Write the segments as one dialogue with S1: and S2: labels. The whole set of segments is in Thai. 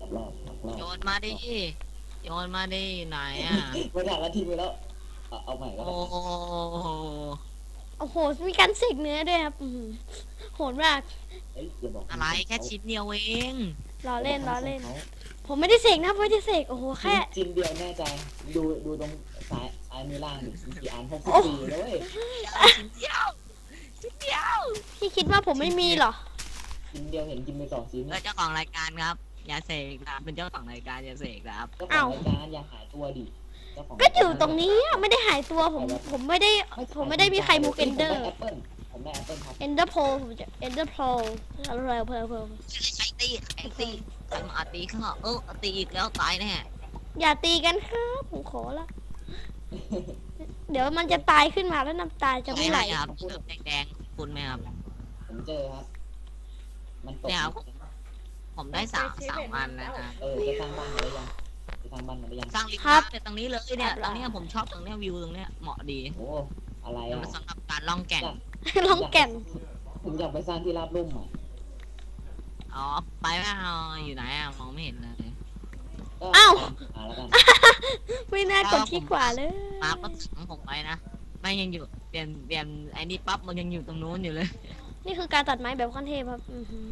S1: รอบ
S2: โยนมาดิโยนมาดิไหนอ่ะ
S1: ไม่ได้แล้วทิ้งไปแล้วเอาใหม่ก็
S2: โอ้
S1: ได้
S2: โห
S3: โอ้โหมีการเสกเนื้อด้วยครับโหดมาก
S1: อย่าบอก
S2: อะไรแค่ชิ้นเดียวเอง
S3: ล้อเล่นผมไม่ได้เสกนะไม่ได้เสกโอ้โหแค่
S1: ชิ้นเดียวแน่ใจดูตรงซ้ายมือล่างกี่อัน64เลย
S2: ชิ้นเดียวชิ้นเดียว
S3: พี่คิดว่าผมไม่มีเหรอ
S1: ชิ้นเดียวเห็นกินไป2 ชิ้น
S2: เจ้าของรายการครับอย่าเสกนะเป็นเจ้าของรายการอย่าเสกครับ
S1: เจ้าของรายการอย่าหายตัวดิ
S3: ก็อยู่ตรงนี้ไม่ได้หายตัวผมไม่ได้มีใครมูเอนเดอร์
S1: ผมได้แอปเปิลครับ
S3: เอนเดอร์โพผมจะเอนเดอร์โพอะไรเพล
S2: ใครตีใครมาตีเขาตีอีกแล้วตายแน่
S3: อย่าตีกันครับผมขอละเดี๋ยวมันจะตายขึ้นมาแล้วน้ำตาจะไม่ไหล
S2: ครับแดงคุณไหมครับ
S1: ผมเจอครับมันตก
S2: เนี่ยผมได้3 อันนะฮะ
S1: จะสร้างบ้านมาได้ยังจะสร้างบ้านมาได้ยัง
S2: สร้างลิฟต์เนี่ยตรงนี้เลยเนี่ยตรงนี้ผมชอบตรงนี้วิวตรงนี้เหมาะดี
S1: โอ้อะไรอ่ะ
S2: สำหรับการล่องแก่ง
S1: ผมอยากไปสร้างที่ราบลุ่มอ่ะ
S2: อ๋อไปไม่เอาอยู่ไหนอ่ะมองไม่เห็นเลย
S3: อ้าว
S1: แล้วกัน
S3: ไม่น่ากดที่ขวาเลย
S2: มาก็ถังผมไปนะไม่ยังอยู่เปลี่ยนไอ้นี่ปั๊บมันยังอยู่ตรงนู้นอยู่เลย
S3: นี่คือการตัดไม้แบบขั้นเทพครับ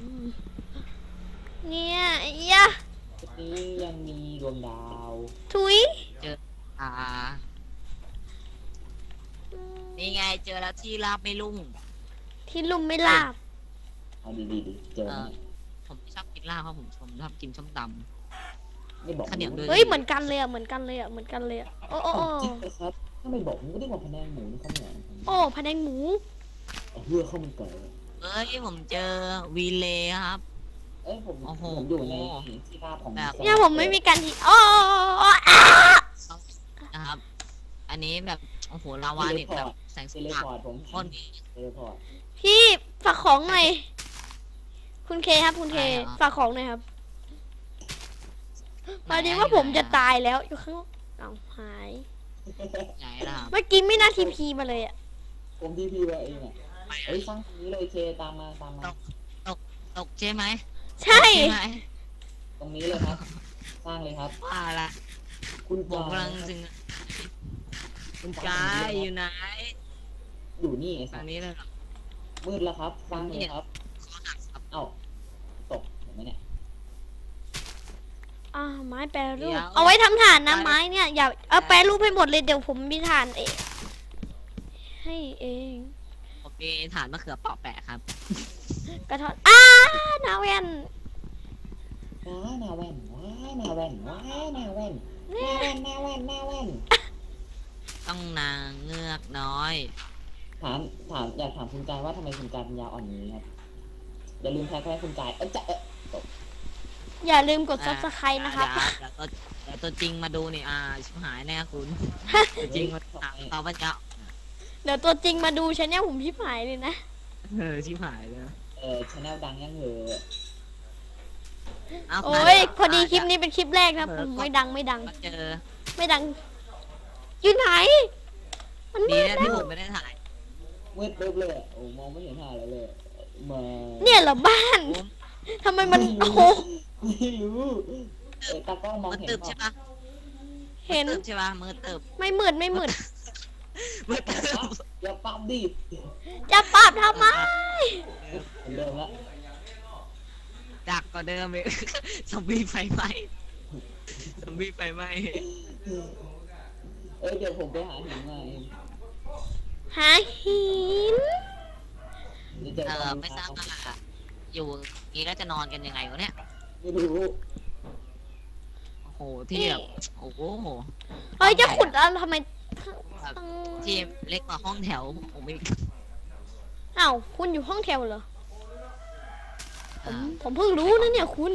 S3: เนี่ยยะ
S1: นี่ยังมีดวงดาว
S3: ทุย
S2: เจอนี่ไงเจอแล้วที่ราบไม่ลุ่ม
S3: ที่ลุ่มไม่ลาบ
S1: เอาดีเจอ
S2: ผมไม่ชอบกินลาบเพราะผมชอบกินส้มตำ
S1: ไม่บอก
S2: ข้าวเหนียวเลย
S3: เฮ้ยเหมือนกันเลยอ่ะโอ้
S1: ครับถ้าไม่บอกผมก็ได้บอกพะแนงหมูนี่ข้าวเหนียว
S3: โอ้พะแนงหมู
S1: เพื่อเข้ามันเกิด
S2: เฮ้ยผมเจอวีเลครับ
S1: ผมอยู่ในที่ราบของ
S3: เนี่ยผมไม่มีการที่โอ้
S2: นะครับอันนี้แบบโอ้โหลาวาเนี่ยแบบแสงสว่าง
S1: ผม
S2: คน
S3: พี่ฝากของหน่อยคุณเคครับคุณเคฝากของหน่อยครับตอนนี้ว่าผมจะตายแล้วอยู่ข้างเอาหายเมื่อกี้ไม่น่าทีพีมาเลยอ่ะ
S1: ผมทีพีมาเองอ่ะสร้างตรงนี้เลยเคตามมา
S2: ตกใช่ไหม
S3: ใช่
S1: ตรงนี้เลยครับสร้างเลยครับ
S2: ว่าละ
S1: คุณ
S2: ผมกำลังจึงคุณกายอยู่ไหน
S1: อยู่นี่
S2: ตรงนี้เลย
S1: มืดแล้วครับสร้างเลยครับเอ้าตกเห็นไหมเนี่ย
S3: ไม้แปรรูปเอาไว้ทำฐานนะไม้เนี่ยอย่าเอาแปรรูปให้หมดเลยเดี๋ยวผมมีฐานเองให้เอง
S2: ผมมีฐานมะเขือเปาะแปะครับ
S3: กระทอนนาเวน
S1: นาเวน
S2: ต้องนางเงือกน้อย
S1: ถามอยากถามคุณกายว่าทำไมคุณกายปัญญาอ่อนนี้ครับอย่าลืมแท็กให้คุณกาย
S3: อย่าลืมกด Subscribe นะครับ
S2: เดี๋ยวตัวจริงมาดูนี่ชิบหายแน่คุณตัวจริงมาถามเขาว่าจะ
S3: เดี๋ยวตัวจริงมาดูชาแนลผมชิบหายเลยนะ
S2: ชิบหายเลย
S1: ชาแนลดังยังเหร
S3: อโอ้ยพอดีคลิปนี้เป็นคลิปแรกนะผมไม่ดังไม่ดังอยู่ไหน
S2: มันมืดที่ผมไม่ได้ถ่าย
S1: มืดเบิบเลยโอ้มองไม่เห็นหาอะไรเลยมา
S3: เนี่ยเหรอบ้านทำไมมันโอ้โห
S1: ไม่รู้ตากล้องมองเห็น
S2: ใช่ปะ
S3: เห็น
S2: ใช่ปะมืดตึบ
S3: ไม่มืด
S2: มืด
S1: อย่าปั๊มดิ
S3: จะปั๊มทำไม
S1: เดิมละ
S2: ดักกว่าเดิมเลยซอมบี้ไฟไหม้
S1: เดี๋ยวผมไปหาหินมา
S3: หาหิน
S2: ไม่ทราบว่าอยู่นี้แล้วจะนอนกันยังไงวะเนี่ย
S1: ไม่รู้
S2: โอ้โหที่แบบโอ้โห
S3: จะขุดแล้วทำไม
S2: ที่เล็กกว่าห้องแถวผมไม่
S3: คุณอยู่ห้องแถวเหรอผมเพิ่งรู้นะเนี่ยคุณ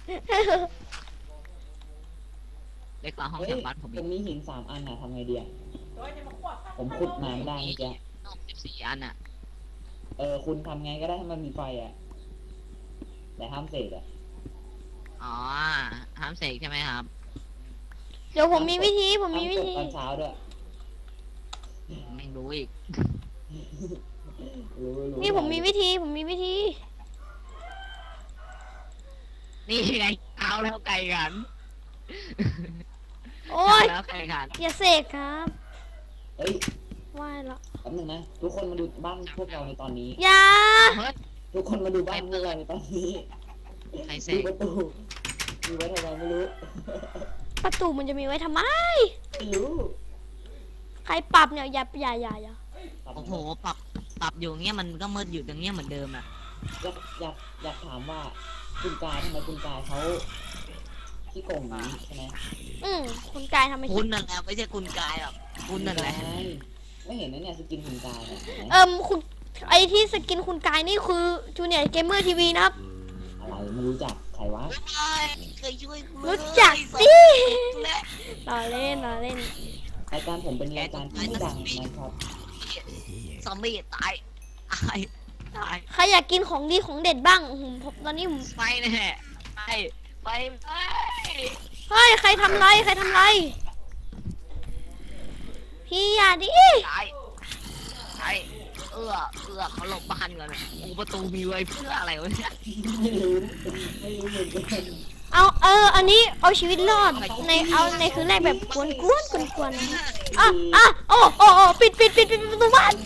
S2: เล็กกว่าห้องแถวบ้านผม
S1: มีหิน3 อันทำไงดีผมขุดมาได้เมื่อกี้
S2: 14 อัน
S1: คุณทำไงก็ได้ให้มันมีไฟแต่ห้ามเสก
S2: ห้ามเสกใช่ไหมครับ
S3: เดี๋ยวผมมีวิธี
S1: ตอนเช้าด้วย
S2: ไม่รู้อีก
S3: นี่ผมมีวิธี
S2: นี่ไงช้าแล้วไก่ขัน
S3: โอ้ย
S2: เช้าแล้วไก่ขัน
S3: อย่าเสกครับ
S1: เฮ้ย
S3: ไหว้ละ
S1: แป๊บนึงนะทุกคนมาดูบ้านพวกเราในตอนนี้
S3: อย่า
S2: เฮ้ย
S1: ทุกคนมาดูบ้านพวกเราในตอนนี้
S2: ใครเส
S1: ดู
S2: ก
S1: ประตูมีไว้ทำไมไม่รู้
S3: ประตูมันจะมีไว้ทำไม
S1: ไม่รู้
S3: ใครปรับเนี่ยอย่า
S2: โอ้โหปรับอยู่เงี้ยมันก็มืดอยู่ตรงเนี้ยเหมือนเดิมอ่ะ
S1: อยากถามว่าคุณกายทำไมคุณกายเขาที่โกงนี้ใช่ไหม
S3: คุณกายทำไม
S2: คุณนั่นแหละไม่ใช่คุณกายหรอกคุณนั่นแหละ
S1: ไม่เห็นนะเนี่ยสกินคุณกายเนี่ย
S3: คุณไอที่สกินคุณกายนี่คือจูเนียร์เกมเมอร์ทีวีนะครับ
S1: อะไรไม่รู้จักใครวะ
S2: เคยช่วยกู
S3: รู้จักสิ
S2: และ
S3: ล้อเล่น
S1: รายการผมเป็นรายการที่ไม่ดังนะครับ
S2: ซอมบี้ตายตาย
S3: ใครอยากกินของดีของเด็ดบ้างผมตอนนี้ผม
S2: ไปแน่ไปไป
S3: เฮ้ยใครทำไรพี่อย่าดิ
S2: ตายเขาหลบบ้านกันโอ้ประตูมีไว้เพื่ออะไรวะเนี่ย
S1: ไม่รู้เหมือนกัน
S3: อันนี้เอาชีวิตรอดในคืนแรกแบบกวนปิดประตูบ้าน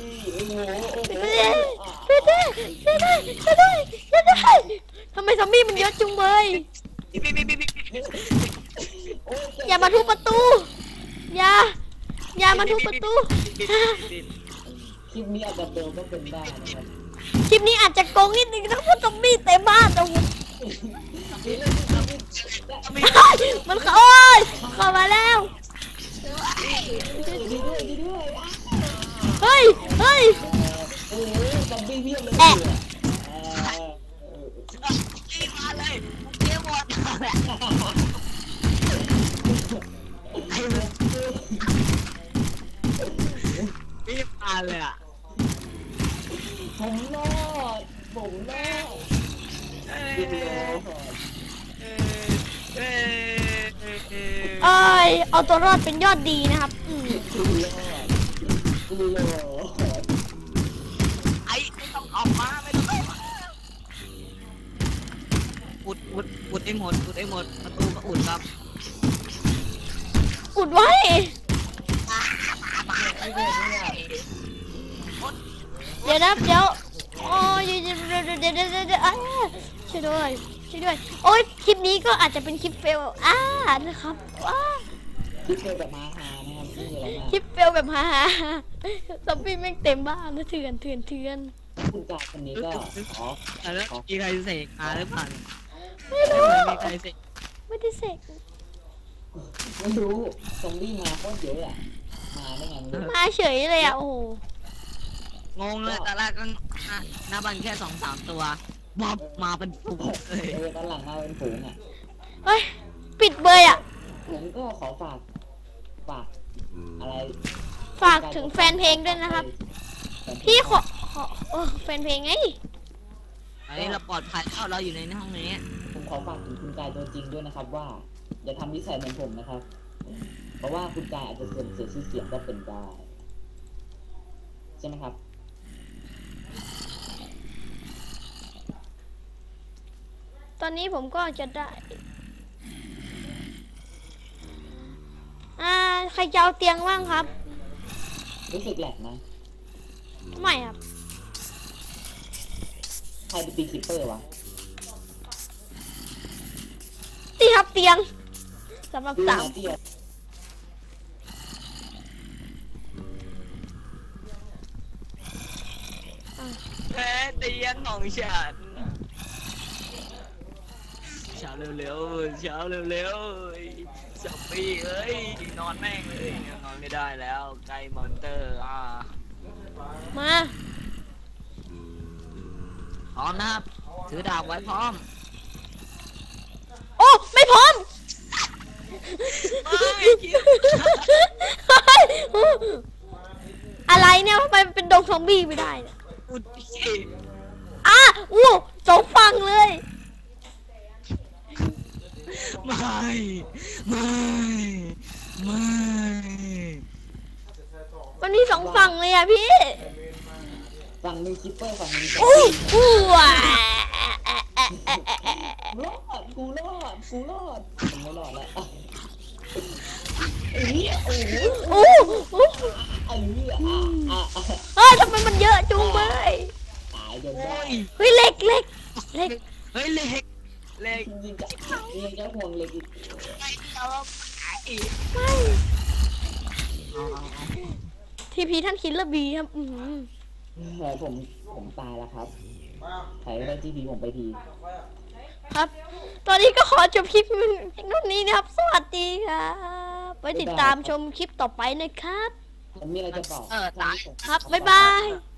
S3: ปิดทำไมซอมบี้มันเยอะจุงเบยอย่ามาทุบประตูอย่ามาทุบประตู
S1: คลิปนี้อาจจะเบลก็เป็นได้นะครับ
S3: คลิปนี้อาจจะโกงนิดนึงนะเพราะซอมบี้เต็มบ้านแต่มันเข้ามาแล้วเฮ้ย
S1: โอ้ซอมบี้เพียบเลย
S2: มาเลยเกี่ยวหมดรีบมาเลยอ่ะ
S1: ผมรอด
S3: เอาตัวรอดเป็นยอดดีนะครับ
S2: ไอ้ไม่ต้องออกมาไม่ต้องอุดให้หมดประตูก็อุดครับ
S3: อุดไว้เดี๋ยวโอ้ยเดี๋ยวช่วยด้วยโอ้ยคลิปนี้ก็อาจจะเป็นคลิปเฟลนะครับ
S1: คลิปเฟลแบบมาฮานะครับไม่มีอะไรมาก
S3: คลิปเฟลแบบฮาซอมบี้แม่งเต็มบ้านนะเถื่อน
S1: คุณกายคนนี้ก็
S2: แล้วมีใครเสกมาหรือเปล่า
S3: ไม่รู้
S2: มีใครเสก
S3: ไม่ได้เสก
S1: ไม่รู้ซอมบี้มาโคตรเยอะอะมาได้ไงไม่รู้
S3: มาเฉยเลยโอ้โห
S2: งงเลยแต่แรกก็หน้าบ้านแค่2-3 ตัวบอบมาเป็นฝูงเลย
S1: ตอนหลังมาเป็นฝูงอ่ะ
S3: เฮ้ยปิดเบย
S1: ผมก็ขอฝากอะไร
S3: ฝากถึงแฟนเพลงด้วยนะครับพี่ขอแฟนเพลงไง
S2: อันนี้เราปลอดภัยแล้วเราอยู่ในห้องนี้
S1: ผมขอฝากถึงคุณกายตัวจริงด้วยนะครับว่าอย่าทำนิสัยเหมือนผมนะครับ เพราะว่าคุณกายอาจจะเสื่อมเสียชื่อเสียงก็เป็นได้ใช่ไหมครับ
S3: ตอนนี้ผมก็จะได้ใครจะเอาเตียงว่างครับ
S1: รู้สึกแหลกนะ
S3: ไม่ครับ
S1: ใครไปตีคิปเปอร์วะ
S3: ตีครับเตียงสำหรับสาว
S1: เตี้ย
S2: แพ้เตียงของฉันเช้าเร็วซอมบี้เอ้ยนอนแม่งเลยนอนไม่ได้แล้วไกลมอนเตอร์
S3: มา
S2: พร้อมนะครับถือดาบไว้พร้อม
S3: โอ้ไม่พร้อมอะไรเนี่ยทำไมเป็นดงซอมบี้ไม่ได้เนี่ย
S2: อุดพี่
S3: สองฝั่งเลย
S2: ไม่
S3: มันมีสองฝั่งเลยอะพี่
S1: ฝั่งนึงคิปเปอร์ฝั่งนึง
S3: อู้
S1: รอดกูรอดผมไม่รอดแล้วโอ้โห
S3: โอ้โห เฮ้ยทำไมมันเยอะจุงเบย
S1: ตายจน
S2: โอ้
S1: ได้
S2: ย
S3: เฮ้ยเล็ก
S2: เฮ้ยเล็กเล็ก
S1: ยิงจะห่วงเล็กอีก
S2: ไปเอาไป
S3: ไม่
S2: เอา
S3: ทีพีท่านคิดละบีครับ
S1: ผมตายแล้วครับใครก็ได้จีพีผมไปที
S3: ครับ ตอนนี้ก็ขอจบคลิปนู่นนี้นะครับ สวัสดีครับไว้ติดตามชมคลิปต่อไปนะครับ
S1: ผมมีอะไรจะบอก
S2: ตาย
S3: ครับ บ๊ายบาย